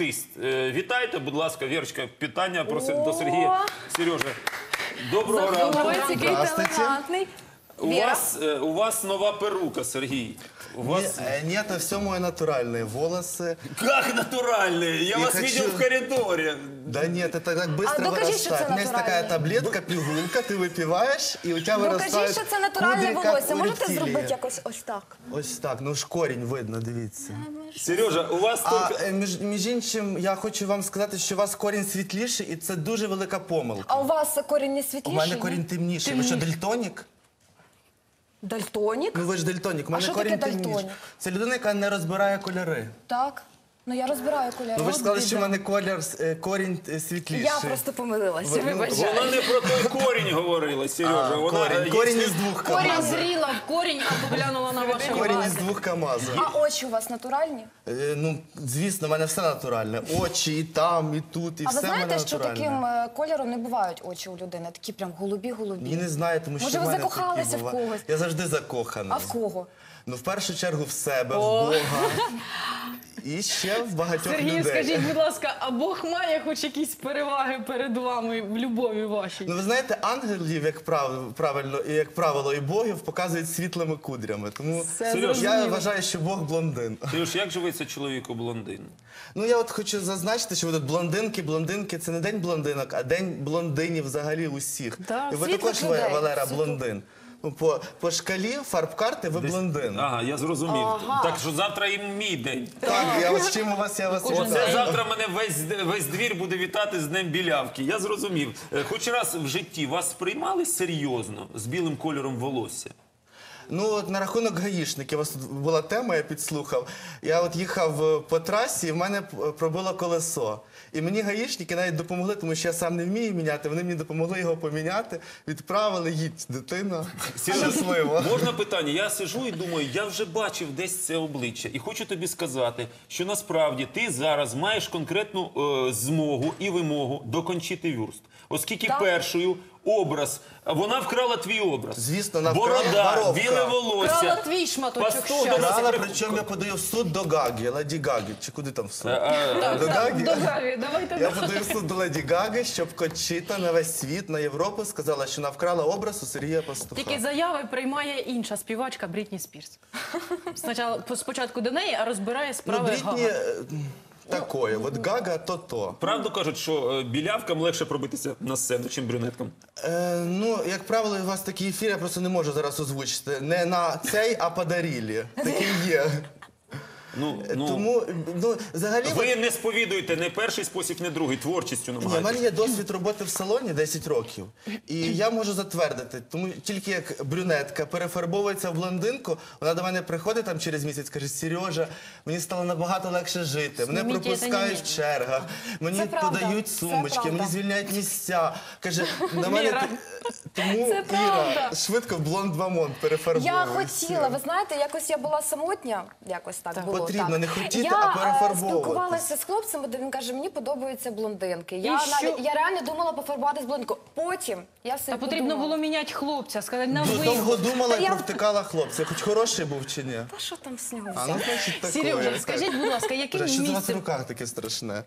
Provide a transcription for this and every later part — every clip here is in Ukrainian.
артист. Вітайте, будь ласка, Вірочка, питання до Сергія. Сережа, доброго ранку. Здравствуйте. У вас нова перука, Сергій. Нет, это все мои натуральные волосы. Как натуральные? Я вас видел в коридоре. Да нет, это так быстро докажи, что вырастает. это У меня есть такая таблетка, пігулка, ты выпиваешь, и у тебя Докажіть, вырастают що це натуральне кудри, как волосся. у Можете рептилии. зробити якось ось так? Ось так, ну ж корінь видно, дивіться. Сережа, у вас А тільки... між іншим, я хочу вам сказати, що у вас корінь світліший, і це дуже велика помилка. А у вас корінь не У світліший? мене корінь темніший. Ви що, дальтонік? Дальтонік? Ну ви ж дальтонік, у мене що корінь таке темніший. дальтонік? Це людина, яка не розбирає кольори. Так. Ну я розбираю кольори. Ну ви ж сказали, що в мене корінь світліший. Я просто помилилася, вибачаю. Вона не про той корінь говорила, Сережа. Корінь із двох Корінь КамАЗів. зріла в корінь, а поглянула на ваше Корінь із волосся. двох КамАЗів. А очі у вас натуральні? Ну, звісно, в мене все натуральне. Очі і там, і тут, і А ви все в мене знаєте, що натуральне. таким кольором не бувають очі у людини? Такі прям голубі-голубі. Ні, не знаю, тому що Може, в ви мене закохалися такі в бувають. когось? Я завжди закоханий. А в кого? Ну, в першу чергу в себе, в Бога. І ще в багатьох Сергію, людей. скажіть, будь ласка, а Бог має хоч якісь переваги перед вами в любові вашій? Ну, ви знаєте, ангелів, як правило, і богів показують світлими кудрями. Тому Все я зрозуміло. вважаю, що Бог блондин. Сереж, як живеться чоловіку блондин? Ну, я от хочу зазначити, що ви тут блондинки, це не день блондинок, а день блондинів взагалі усіх. Так, І ви світлих також, людей. Валера, блондин. Ну, по шкалі фарб-карти ви блондин. Ага, я зрозумів. Так що завтра і мій день. Так, я ось чим я вас Оце вітаю. завтра мене весь двір буде вітати з Днем білявки. Я зрозумів. Хоч раз в житті вас сприймали серйозно з білим кольором волосся? Ну, от на рахунок гаїшників, у вас тут була тема, я підслухав. Я от їхав по трасі, і в мене пробило колесо. І мені гаїшники навіть допомогли, тому що я сам не вмію міняти, вони мені допомогли його поміняти, відправили, їдь, дитина, щасливо. Можна питання? Я сижу і думаю, я вже бачив десь це обличчя. І хочу тобі сказати, що насправді ти зараз маєш конкретну змогу і вимогу докончити вюрст. Оскільки першою образ, вона вкрала твій образ. Звісно, вона вкрала Борода, воровка. біле волосся. Крала твій шматочок Пастух щастя. до нас Брала, причому я подаю в суд до Гаги, Леді Гаги. Чи куди там в суд? До Так, Гаги? до Гаві, давайте. Я подаю в суд до Леді Гаги, щоб Кончіта на весь світ, на Європу сказала, що вона вкрала образ у Сергія Пастуха. Тільки заяви приймає інша співачка Брітні Спірс. Спочатку до неї, а розбирає Ну, справи Брітні Гага. такое, от Гага то-то. Правду кажуть, що білявкам легше пробитися на сцену, чим брюнеткам. Ну, як правило, у вас такий ефір, я просто не можу зараз озвучити. Не на цей, а подарілі. Такий є. Тому, ну, взагалі... Ви не сповідуєте не перший спосіб, не другий, творчістю Ні, в намагаєтесь. мене є досвід роботи в салоні 10 років. І я можу затвердити, тому тільки як брюнетка перефарбовується в блондинку, вона до мене приходить там через місяць, каже: Сережа, мені стало набагато легше жити, мене Зніміть пропускають це в чергах, мені Це правда, подають це сумочки, правда. мені звільняють місця. Каже, на мене... Віра. Тому, Це Іра, правда. швидко в блонд Бамонт перефарбовує. Я хотіла, ви знаєте, якось я була самотня, якось так було. Потрібно так. не хотіти, я, а перефарбовуватись. спілкувалася з хлопцем, де він каже, мені подобаються блондинки. І Я що? реально думала пофарбуватись блондинку. Потім я все Та потрібно було міняти хлопця, сказати на ви. Довго думала Та і я- провтикала хлопця. Хоч хороший був чи ні? Та що там з нього А, взяти? ну, значить, таке. Сережа, скажіть, будь ласка, яким Що це у вас в місцем... руках таке страшне?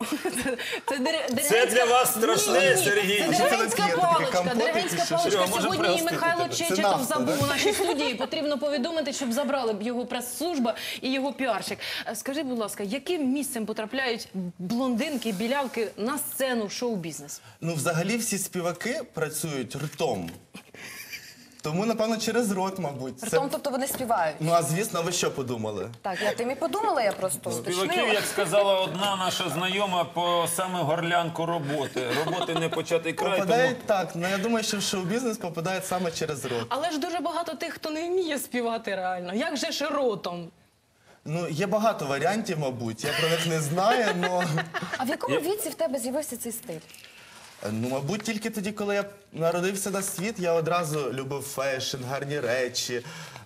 Це для вас страшне, Сергій. Це А що це деревенська таке? Таке паличка. компоти Деревенська чи що? паличка. Серега, може Сьогодні і пригостити Михайло тебе? Це Чечетов нафта, забув да? у нашій студії. Потрібно повідомити, щоб забрали б його прес-служба і його піарщик. Скажіть, будь ласка, яким місцем потрапляють блондинки, білявки на сцену шоу-бізнесу? Ну, взагалі всі співаки працюють ртом. Тому, напевно, через рот, мабуть. Це... Притом, тобто вони співають. Ну, а звісно, ви що подумали? Так, я тим і подумала, я просто Співаків, уточнила. як сказала одна наша знайома, по саме горлянку роботи. Роботи не початий край, тому... Попадають так, ну я думаю, що в шоу-бізнес попадають саме через рот. Але ж дуже багато тих, хто не вміє співати реально. Як же ж ротом? Ну, є багато варіантів, мабуть, я про них не знаю, але... А в якому віці в тебе з'явився цей стиль? Ну, мабуть, тільки тоді, коли я народився на світ, я одразу любив фешн, гарні речі.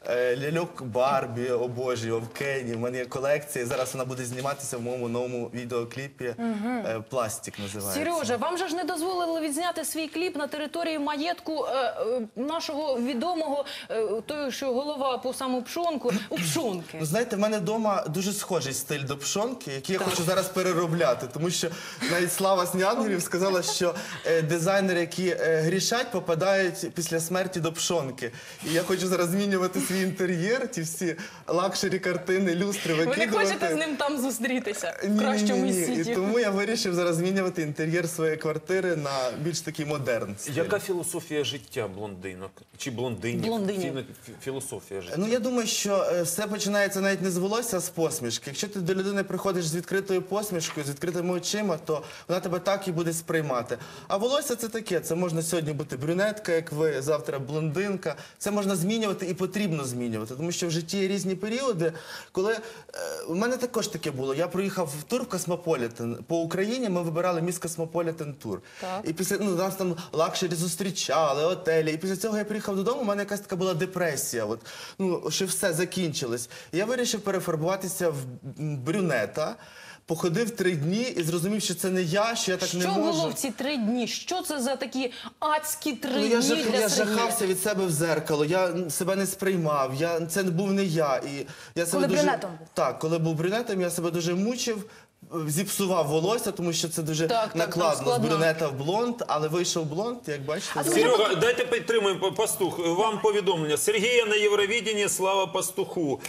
ляльок Барбі, обожнював, Кені. У мене є колекція, і зараз вона буде зніматися в моєму новому відеокліпі. «Пластик» називається. Сережа, вам же ж не дозволили відзняти свій кліп на території маєтку нашого відомого, той, що голова по саму пшонку, у Пшонки. Ну, знаєте, в мене вдома дуже схожий стиль до Пшонки, який я хочу зараз переробляти. Тому що навіть Слава Снянголів сказала, що дизайнери, які грішать, попадають після смерті до Пшонки. І я хочу зараз змінювати свій інтер'єр, ті всі лакшері картини, люстри Ви викидувати. не хочете з ним там зустрітися? В кращому Ні. світі. І тому я вирішив зараз змінювати інтер'єр своєї квартири на більш такий модерн стиль. Яка філософія життя блондинок? Чи блондинів? Блондинів. Філософія життя. Ну, я думаю, що все починається навіть не з волосся, а з посмішки. Якщо ти до людини приходиш з відкритою посмішкою, з відкритими очима, то вона тебе так і буде сприймати. А волосся це таке. Це можна сьогодні бути брюнетка, як ви, завтра блондинка. Це можна змінювати і потрібно змінювати. Тому що в житті є різні періоди, коли... У мене також таке було. Я проїхав в тур в Космополітен. По Україні ми вибирали міс Космополітен тур. Так. І після, нас там лакшері зустрічали, отелі. І після цього я приїхав додому, у мене якась така була депресія. От, що все закінчилось. І я вирішив перефарбуватися в брюнета. Походив 3 дні і зрозумів, що це не я, що я так не Що можу. було в ці 3 дні? Що це за такі адські 3 Ну, дні я для Сергія? жахався від себе в зеркало, я себе не сприймав, це був не я. І я себе Коли брюнетом був? Так, коли був брюнетом, я себе дуже мучив, зіпсував волосся, тому що це дуже Так, накладно з складно. брюнета в блонд, але вийшов блонд, як бачите. Серега, дайте підтримуємо Пастух. Вам повідомлення. Сергія на Євровиденні, слава Пастуху.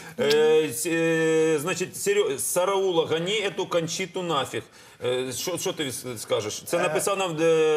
Значить, Сараула, гони эту Кончиту нафіг. Що ти скажеш? Це написав нам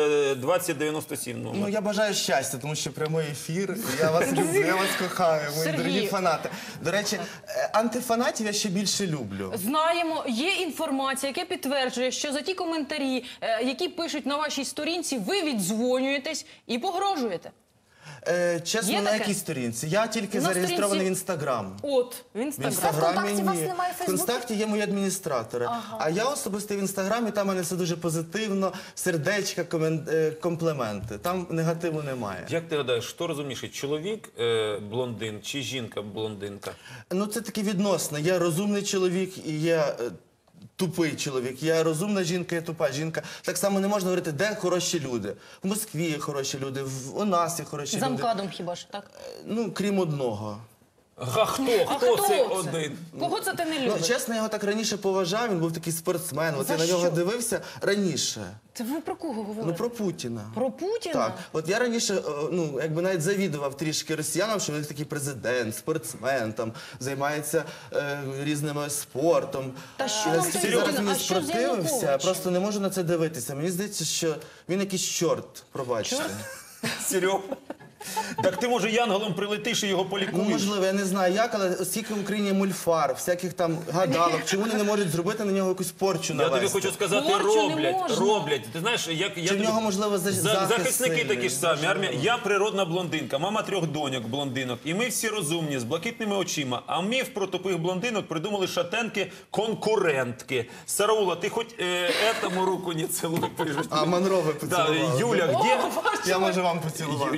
2097 номер. Ну, я бажаю щастя, тому що прямий ефір. Я вас люблю, я вас кохаю, мої Сергій. дорогі фанати. До речі, антифанатів я ще більше люблю. Знаємо, є інформація, яка підтверджує, що за ті коментарі, які пишуть на вашій сторінці, ви віддзвонюєтесь і погрожуєте. Чесно, Є на таке? якій сторінці? Я тільки На зареєстрований сторінці- в Інстаграм. От, в В Інстаграм. Інстаграмі ВКонтакті у вас ні. немає В Фейсбуку? Контакті є мої адміністратори. А я особисто в Інстаграмі, там у мене все дуже позитивно, сердечка, компліменти. Там негативу немає. Як ти гадаєш, що розумніше, чоловік блондин чи жінка блондинка? Ну, це таке відносно. Є розумний чоловік і є тупий чоловік. Є розумна жінка, є тупа жінка. Так само не можна говорити, де хороші люди. В Москві є хороші люди, у нас є хороші За люди. МКАДом хіба ж, так? Ну, крім одного. А хто це один? Кого це ти не Ну, любиш? чесно, я його так раніше поважав, він був такий спортсмен. От За я на нього що? дивився раніше. Це ви про кого говорите? Ну, про Путіна. Про Путіна? Так, от я раніше, якби навіть завідував трішки росіянам, що він такий президент, спортсмен, там, займається різними спортом. Та що Я нам настільки той зараз Путін? мені А що з спротивився, я Януковичем? просто не можу на це дивитися. Мені здається, що він якийсь чорт, пробачте. Серега. Так ти, може, янголом прилетиш і його Ну, полікуєш? можливо, я не знаю як, але скільки в Україні мульфар, всяких там гадалок, чому вони не можуть зробити на нього якусь порчу Я навести? тобі хочу сказати, Порчу не можна. роблять. Ти знаєш, як я Чи в тобі- нього, можливо, захист захисники сильний? такі ж самі. Можливо. Армія. Я природна блондинка, мама 3 доньок блондинок. І ми всі розумні, з блакитними очима. А міф про тупих блондинок придумали шатенки-конкурентки. Сараула, ти хоч этому руку не целуй. А Монро ви Да, поцілували. Юля, где... Я можу вам поцілувати.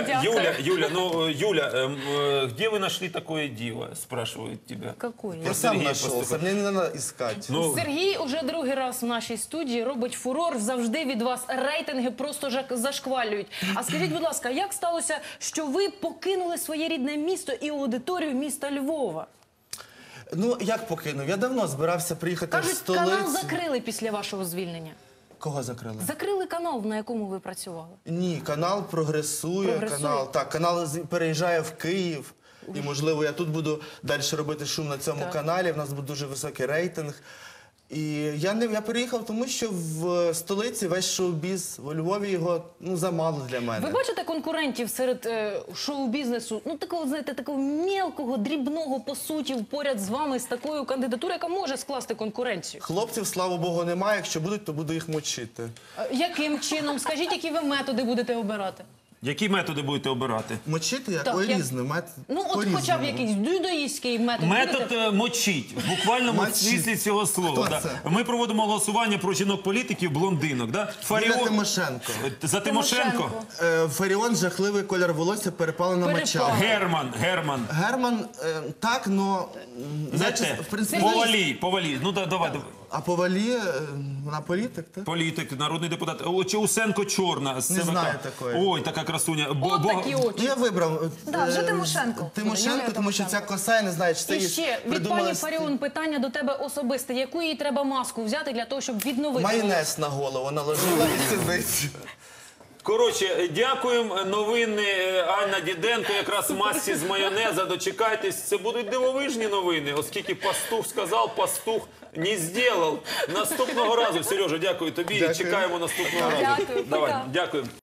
Юля, где вы нашли такое диво, спрашивают тебя. Какое? Я сам Сергія нашелся, Пастуха. мне не надо искать. Ну, Сергій уже другий раз в нашій студії робить фурор. Завжди від вас рейтинги просто зашквалюють. А скажіть, будь ласка, як сталося, що ви покинули своє рідне місто і аудиторію міста Львова? Ну, як покинув? Я давно збирався приїхати в Кажуть, столицю. канал закрили після вашого звільнення. Кого закрили? Закрили канал, на якому ви працювали. Ні, канал прогресує. Прогресує? Канал переїжджає в Київ. І, можливо, я тут буду далі робити шум на цьому Так. каналі. В нас буде дуже високий рейтинг. І я переїхав, тому що в столиці весь шоу-біз, у Львові його замало для мене. Ви бачите конкурентів серед шоу-бізнесу, ну такого, знаєте, такого мелкого, дрібного, по суті, поряд з вами, з такою кандидатурою, яка може скласти конкуренцію? Хлопців, слава Богу, немає. Якщо будуть, то буду їх мочити. Яким чином? Скажіть, які ви методи будете обирати? Які методи будете обирати? Мочити як? Так, Ой, як- різне. Ну, от хоча б якийсь дюдоїстський метод. Метод будете? мочить, в буквальному Мочить. смислі цього слова. Хто Да. це? Ми проводимо голосування про жінок-політиків, блондинок. Да? Юлія Тимошенко. За Тимошенко? Фаріон, жахливий колір волосся, перепалена Перепалена. моча. Герман. Герман, так, но... Не значить, те. в принципі, Повалій. Ну, давай. а Повалі, вона політик, так? Політик, народний депутат. Чи Усенко Чорна з Не ЦВК. знаю такої. Ой, така красуня. От такі очі. Ну, я вибрав. Да, вже е, Тимошенко. Тимошенко, Юлія тому що ця Тимошенко. коса, я не знаю, чи це І їй ще від придумали пані стиль. Фаріон питання до тебе особисте. Яку їй треба маску взяти для того, щоб відновити? Майонез на голову наложила і сидить. Коротше, дякуємо. Новини Анна Діденко, якраз в масці з майонеза. Дочекайтесь, це будуть дивовижні новини, оскільки пастух сказав, пастух не зробив. Наступного разу, Сережа, дякую тобі. Дякую. Чекаємо наступного разу. Дякую, Давай, пока. дякую.